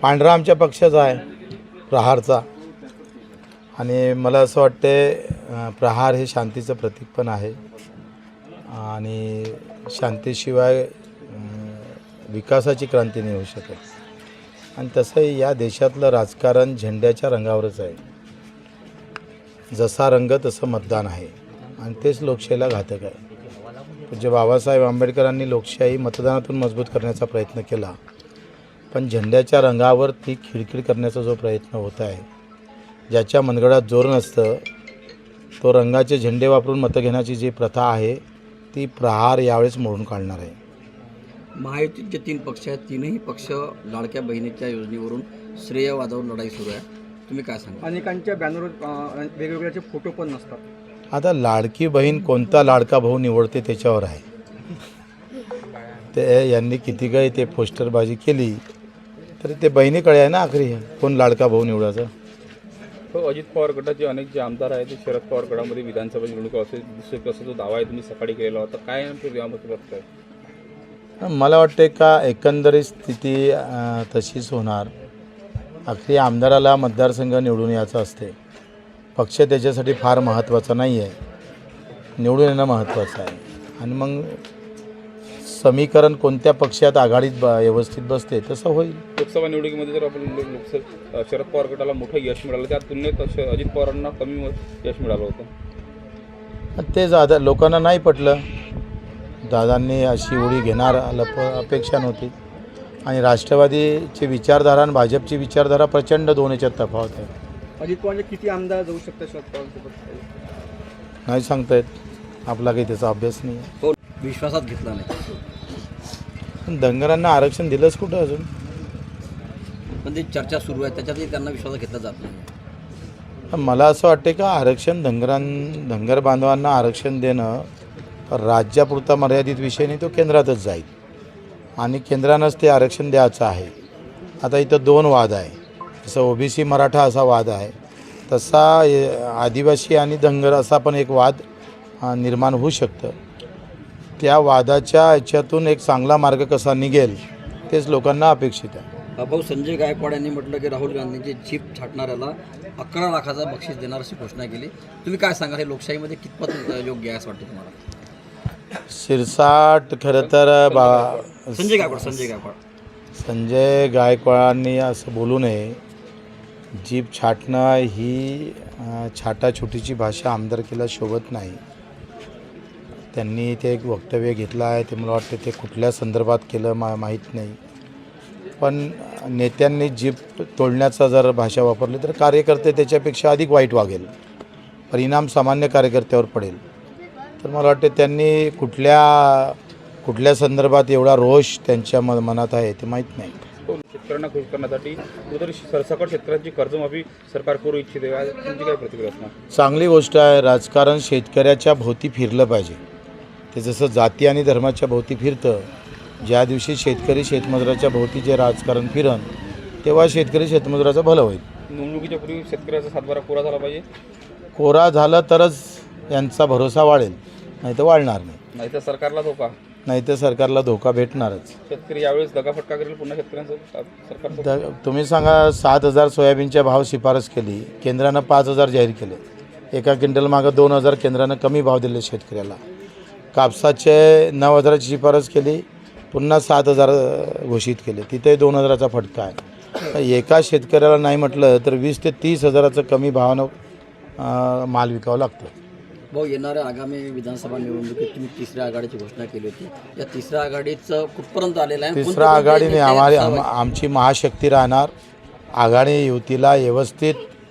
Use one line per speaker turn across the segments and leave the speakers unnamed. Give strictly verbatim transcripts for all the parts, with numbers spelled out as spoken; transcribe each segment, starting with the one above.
पांढरा आमच्या पक्षाचा आहे, प्रहारचा. आणि मला असं वाटते प्रहार हे शांतीचं प्रतीक पण आहे आणि शांतीशिवाय विकासाची क्रांती नाही होऊ शकत. आणि तसंही या देशातलं राजकारण झेंड्याच्या रंगावरच आहे. जसा रंग तसं मतदान आहे आणि तेच लोकशाहीला घातक आहे. पूज्य बाबासाहेब आंबेडकरांनी लोकशाही मतदानातून मजबूत करण्याचा प्रयत्न केला, पण झेंड्याच्या रंगावर ती खिळखिळ करण्याचा जो प्रयत्न होत आहे, ज्याच्या मनगडात जोर नसतं तो रंगाचे झेंडे वापरून मतं घेण्याची जी प्रथा आहे ती प्रहार यावेळेस मोडून काढणार आहे.
महायुतीत जे तीन पक्ष आहेत तीनही पक्ष लाडक्या बहिणीच्या योजनेवरून श्रेय वादावरून लढाई सुरू आहे. तुम्ही काय सांगा?
अनेकांच्या बॅनरवर वेगवेगळ्याचे फोटो पण नसतात.
आता लाडकी बहीण कोणता लाडका भाऊ निवडते त्याच्यावर आहे. ते यांनी किती काही ते पोस्टरबाजी केली तरी ते बहिणीकडे आहे ना आखरी कोण लाडका भाऊ निवडायचं.
हो, अजित पवार गटाचे अनेक जे आमदार आहेत ते शरद पवार गटामध्ये विधानसभा निवडणूक असे दिसत असा जो दावा आहे तुम्ही सकाळी केलेला होता, काय नेमकं यामध्ये बघताय?
मला वाटते का एकंदरीत स्थिती तशीच होणार. आखरी आमदाराला मतदारसंघ निवडून यायचं असते. पक्ष त्याच्यासाठी फार महत्त्वाचा नाही आहे, निवडून येणं महत्त्वाचं आहे. आणि मग समीकरण कोणत्या पक्षात आघाडीत ब व्यवस्थित बसते तसं होईल.
लोकसभा निवडणुकीमध्ये जर आपण लोकसभा शरद पवार गटाला मोठं यश मिळालं, त्या तुलनेत अजित पवारांना कमी यश मिळालं होतं.
तेच आता लोकांना नाही पटलं. दादांनी अशी उडी घेणार लप अपेक्षा नव्हती. आणि राष्ट्रवादीची विचारधारा आणि भाजपची विचारधारा प्रचंड दोन याच्यात तफावत आहे.
अजित पवार किती आमदार जाऊ शकतात शरद पवारांसोबत
नाही सांगता येत, आपला काही त्याचा अभ्यास नाही आहे.
हो, विश्वासात घेतला नाही.
पण धनगरांना आरक्षण दिलंच कुठं अजून?
पण ती चर्चा सुरू आहे, त्याच्यातही त्यांना विश्वासात घेतला जात नाही.
मला असं वाटते का आरक्षण धनगरां धनगर बांधवांना आरक्षण देणं राज्यापुरता मर्यादित विषय नाही, तो केंद्रातच जाईल आणि केंद्रानंच ते आरक्षण द्यायचं आहे. आता इथं दोन वाद आहे. जसं ओबीसी मराठा असा वाद आहे, तसा आदिवासी आणि धनगर असा पण एक वाद निर्माण होऊ शकतं. त्या वादाच्या याच्यातून एक चांगला मार्ग कसा निघेल तेच लोकांना अपेक्षित आहे.
भाऊ संजय गायकवाड यांनी म्हटलं की राहुल गांधींची जीप छाटणाऱ्याला अकरा लाखाचा बक्षीस देणार अशी घोषणा केली. तुम्ही काय सांगा, हे लोकशाहीमध्ये कितपत योग्य आहे असं वाटतं तुम्हाला?
शिरसाट खरं तर बा
संजय गायकवाड संजय गायकवाड
संजय गायकवाडांनी असं बोलू नये. जीप छाटणं ही छाटाछुटीची भाषा आमदारकीला शोभत नाही. त्यांनी ते एक वक्तव्य घेतलं आहे, ते मला वाटतं ते कुठल्या संदर्भात केलं मा माहीत नाही. पण नेत्यांनी जीप तोडण्याचा जर भाषा वापरली तर कार्यकर्ते त्याच्यापेक्षा अधिक वाईट वागेल, परिणाम सामान्य कार्यकर्त्यावर पडेल. तर मला वाटते त्यांनी कुठल्या कुठल्या संदर्भात एवढा रोष त्यांच्या म मनात आहे ते माहीत नाही.
शेतकऱ्यांना खुश करण्यासाठी कुठेतरी सरसकट शेतकऱ्यांची कर्जमाफी सरकार करू इच्छिते, तुमची काय प्रतिक्रिया असणार?
चांगली गोष्ट आहे. राजकारण शेतकऱ्याच्या भोवती फिरलं पाहिजे. ते जसं जाती आणि धर्माच्या भोवती फिरतं, ज्या दिवशी शेतकरी शेतमजुराच्या भोवती जे राजकारण फिरण तेव्हा शेतकरी शेतमजुराचं भलं होईल.
निवडणुकीच्या पूर्वी शेतकऱ्याचा सातबारा कोरा झाला पाहिजे.
कोरा झालं तरच यांचा भरोसा वाढेल, नाही तर वाढणार नाही.
नाही तर सरकारला धोका,
नाही तर सरकारला धोका भेटणारच.
शेतकरी यावेळेस दगाफटका करेल पुन्हा शेतकऱ्यांचं सरकार.
द तुम्ही सांगा, सात हजार सोयाबीनच्या भाव शिफारस केली, केंद्रानं पाच हजार जाहीर केले. एका क्विंटल मागं दोन हजार केंद्रानं कमी भाव दिले शेतकऱ्याला. कापसाचे नऊ हजाराची शिफारस केली, पुन्हा सात हजार घोषित केले, तिथे दोन हजाराचा फटका आहे. एका शेतकऱ्याला नाही म्हटलं तर वीस ते तीस हजाराचं कमी भावानं माल विकावं लागतं.
भाऊ, येणाऱ्या आगामी विधानसभा निवडणुकीत तुम्ही तिसऱ्या आघाडीची घोषणा केली होती. या तिसऱ्या आघाडीचं कुठपर्यंत आलेलं आहे?
तिसऱ्या आघाडीने आम्हाला आम आमची महाशक्ती राहणार. आघाडी युतीला व्यवस्थित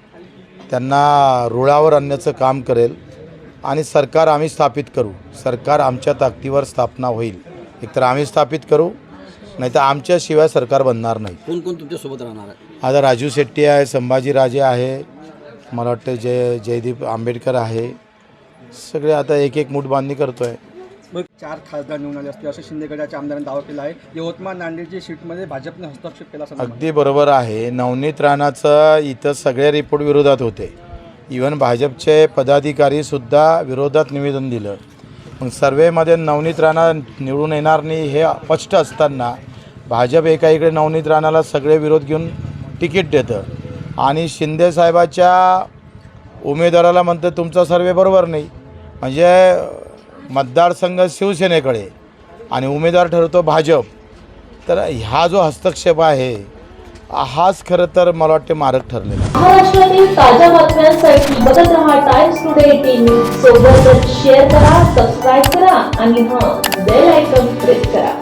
त्यांना रुळावर आणण्याचं काम करेल आणि सरकार आम्ही स्थापित करू. सरकार आमच्या ताकदीवर स्थापना होईल. एकतर आम्ही स्थापित करू, नाही तर आमच्याशिवाय सरकार बनणार नाही.
कोण कोण तुमच्यासोबत राहणार आहे?
आता राजू शेट्टी आहे, संभाजीराजे आहे, मला वाटतं जय जयदीप आंबेडकर आहे. सगळे आता एक एक मूठ बांधणी करतो आहे.
मग चार खासदार निवडून आले असते असं शिंदे गटाच्या आमदारांनी दावा केला आहे. यवतमाळ नांदेडची सीटमध्ये भाजपने हस्तक्षेप केला.
अगदी बरोबर आहे. नवनीत राणाचं इथं सगळे रिपोर्ट विरोधात होते. इवन भाजपचे पदाधिकारीसुद्धा विरोधात निवेदन दिलं. मग सर्वेमध्ये नवनीत राणा निवडून येणार नाही हे स्पष्ट असताना भाजप एका इकडे नवनीत राणाला सगळे विरोध घेऊन तिकीट देतं आणि शिंदेसाहेबाच्या उमेदवाराला म्हणतं तुमचा सर्वे बरोबर नाही, म्हणजे मतदारसंघ शिवसेनेकडे आणि उमेदवार ठरवतो भाजप. तर हा जो हस्तक्षेप आहे हाच खरं तर मला वाटते मारक ठरलेला आहे.
महाराष्ट्रातील ताज्या बातम्यांसाठी बघत रहा टाइम्स टुडे टीव्ही. सोबतच शेअर करा, सबस्क्राईब करा आणि हां बेल आयकॉन प्रेस करा.